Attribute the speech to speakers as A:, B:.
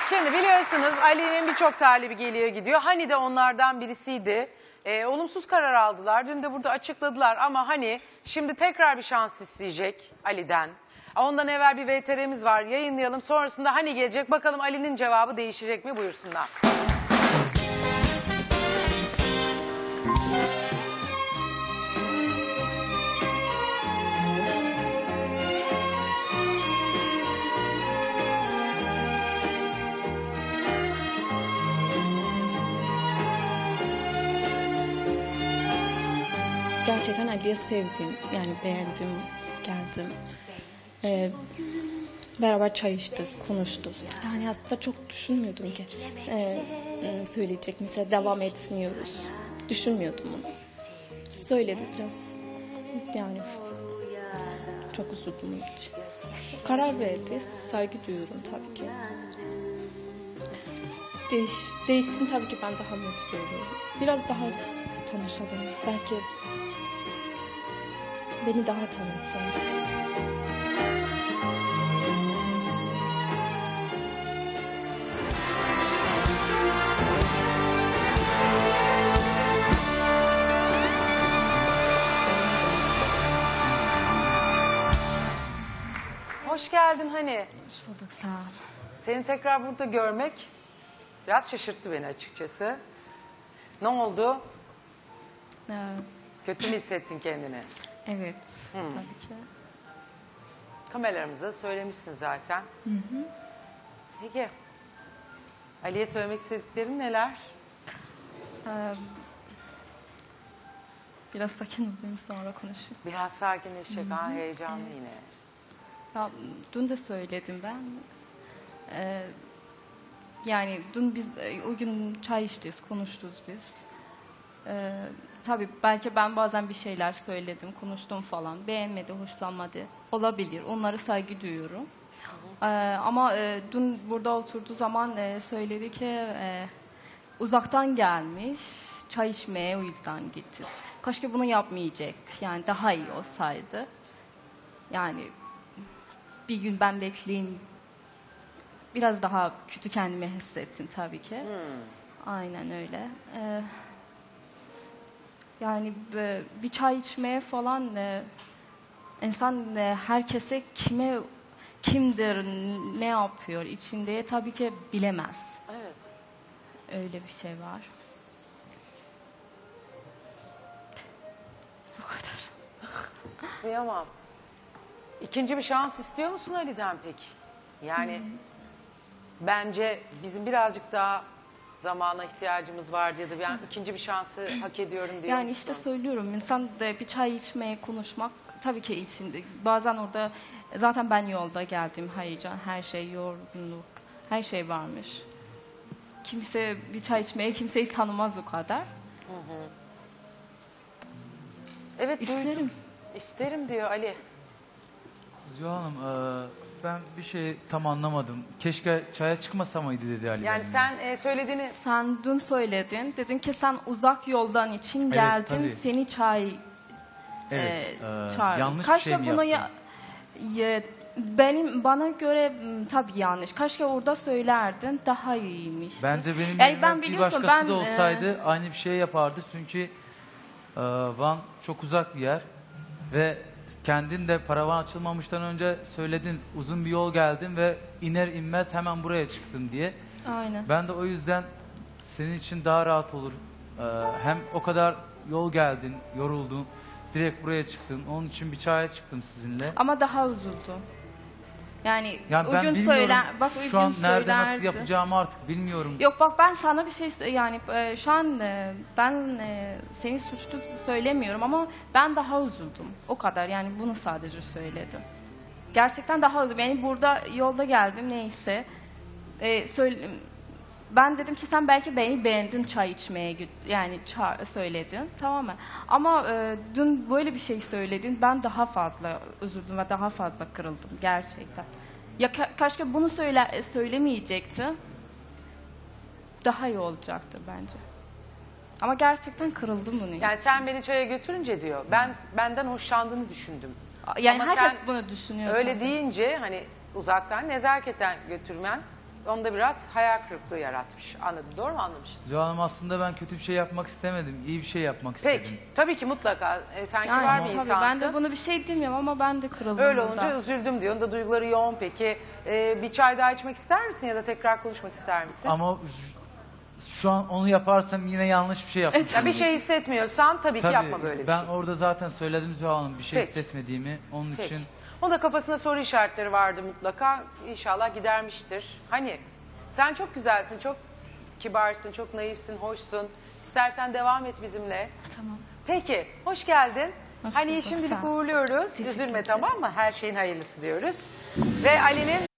A: Şimdi biliyorsunuz Ali'nin birçok talibi geliyor gidiyor. Hani de onlardan birisiydi. Olumsuz karar aldılar. Dün de burada açıkladılar ama hani şimdi tekrar bir şans isteyecek Ali'den. Ondan evvel bir VTR'miz var. Yayınlayalım. Sonrasında hani gelecek. Bakalım Ali'nin cevabı değişecek mi? Buyursunlar.
B: Gerçekten Ali'yi sevdim. Yani beğendim, geldim. Beraber çay içtik, konuştuk. Yani aslında çok düşünmüyordum ki söyleyecek. Mesela devam etmiyoruz. Düşünmüyordum onu. Söyledi biraz. Yani çok üzüldüm onun için. Karar verdi. Saygı duyuyorum tabii ki. Değişsin tabii ki ben daha mutlu olurum. Biraz daha tanışalım. Belki beni daha tanısın.
A: Hoş geldin hani.
B: Hoş bulduk, sağ ol.
A: Seni tekrar burada görmek biraz şaşırttı beni açıkçası. Ne oldu? Kötü mü hissettin kendini?
B: Evet, tabii ki.
A: Kameralarımıza söylemişsin zaten.
B: Hı hı.
A: Peki. Ali'ye söylemek istediklerin neler?
B: Biraz sakin olayım sonra konuşayım.
A: Biraz sakinleşecek ha, heyecanlı yine.
B: Ya, dün de söyledim ben. Yani dün biz o gün çay içtik, konuştuk biz. Tabii belki ben bazen bir şeyler söyledim, konuştum falan. Beğenmedi, hoşlanmadı. Olabilir, onlara saygı duyuyorum. Ama dün burada oturduğu zaman söyledi ki uzaktan gelmiş, çay içmeye o yüzden gitti. Keşke bunu yapmayacak, yani daha iyi olsaydı. Yani bir gün ben bekleyeyim. Biraz daha kötü kendimi hissettim tabii ki. Aynen öyle. Yani bir çay içmeye falan insan herkese kimdir, ne yapıyor içinde tabii ki bilemez.
A: Evet.
B: Öyle bir şey var. Bu kadar.
A: Kıyamam. İkinci bir şans istiyor musun Ali'den peki? Yani bence bizim birazcık daha zamana ihtiyacımız var diye de ben ikinci bir şansı hak ediyorum diyor
B: Yani işte söylüyorum, insan da bir çay içmeye, konuşmak tabii ki içinde. Bazen orada zaten ben yolda geldim, heyecan, her şey, yorgunluk, her şey varmış. Kimse bir çay içmeye kimseyi tanımaz o kadar.
A: Evet,
B: İsterim.
A: duydum. İsterim diyor Ali.
C: Zuhal Hanım, ben bir şey tam anlamadım. Keşke çaya çıkmasa mıydı dedi Ali.
A: Yani sen söylediğini...
B: Sen dün söyledin, dedin ki sen uzak yoldan için geldin,
C: tabii.
B: seni çay
C: Evet,
B: çağırdım.
C: yanlış bir şey mi
B: bunu
C: yaptım?
B: Bana göre tabii yanlış. Keşke orada söylerdin, daha iyiymiş.
C: Bence benim
B: yani
C: yerime bir başkası da olsaydı aynı bir şey yapardı. Çünkü Van çok uzak bir yer ve kendin de paravan açılmamıştan önce söyledin, uzun bir yol geldin ve iner inmez hemen buraya çıktın diye.
B: Aynen.
C: Ben de o yüzden senin için daha rahat olur. Hem o kadar yol geldin, yoruldun, direkt buraya çıktın. Onun için bir çaya çıktım sizinle.
B: Ama daha üzüldüm. Yani
C: ben
B: o gün
C: bilmiyorum
B: bak o
C: şu an
B: gün
C: nerede nasıl
B: söylerdi.
C: yapacağımı artık bilmiyorum.
B: Yok bak ben sana bir şey yani şu an ben seni suçlu söylemiyorum ama ben daha üzüldüm. O kadar yani bunu sadece söyledim. Gerçekten daha üzüldüm. Yani burada yolda geldim neyse. Ben dedim ki sen belki beni beğendin çay içmeye yani söyledin tamam mı? Ama dün böyle bir şey söyledin ben daha fazla üzüldüm ve daha fazla kırıldım gerçekten. Ya keşke bunu söylemeyecekti. Daha iyi olacaktı bence. Ama gerçekten kırıldım bunun
A: Yani
B: için.
A: sen beni çaya götürünce diyor. Benden hoşlandığını düşündüm.
B: Yani
A: Ama
B: herkes
A: sen
B: bunu düşünüyor.
A: öyle
B: tabii.
A: deyince hani uzaktan nezaketen götürmen onda biraz hayal kırıklığı yaratmış. Anladın, doğru mu anlamışsın?
C: Zuhal Hanım, aslında ben kötü bir şey yapmak istemedim. İyi bir şey yapmak istedim.
A: Peki, tabii ki mutlaka. Sen kibar bir
B: Yani
A: insansın.
B: tabii ben de bunu bir şey demiyorum ama ben de kırıldım
A: Öyle
B: burada.
A: olunca üzüldüm diyor. Onda duyguları yoğun peki. Bir çay daha içmek ister misin ya da tekrar konuşmak ister misin?
C: Ama şu an onu yaparsam yine yanlış bir şey yapmış
A: Ya bir
C: olurum.
A: şey hissetmiyorsan tabii ki
C: Tabii,
A: yapma böyle bir
C: ben
A: şey.
C: orada zaten söyledim Zuhal Hanım, bir şey
A: Peki.
C: hissetmediğimi. Onun
A: Peki.
C: için
A: Onun da kafasında soru işaretleri vardı mutlaka. İnşallah gidermiştir. Hani sen çok güzelsin, çok kibarsın, çok naifsin, hoşsun. İstersen devam et bizimle.
B: Tamam.
A: Peki, hoş geldin.
B: Hoş
A: Hani
B: bulduk,
A: şimdilik
B: sağ ol.
A: uğurluyoruz.
B: Teşekkür
A: Üzülme,
B: ederim.
A: tamam mı? Her şeyin hayırlısı diyoruz. Ve Ali'nin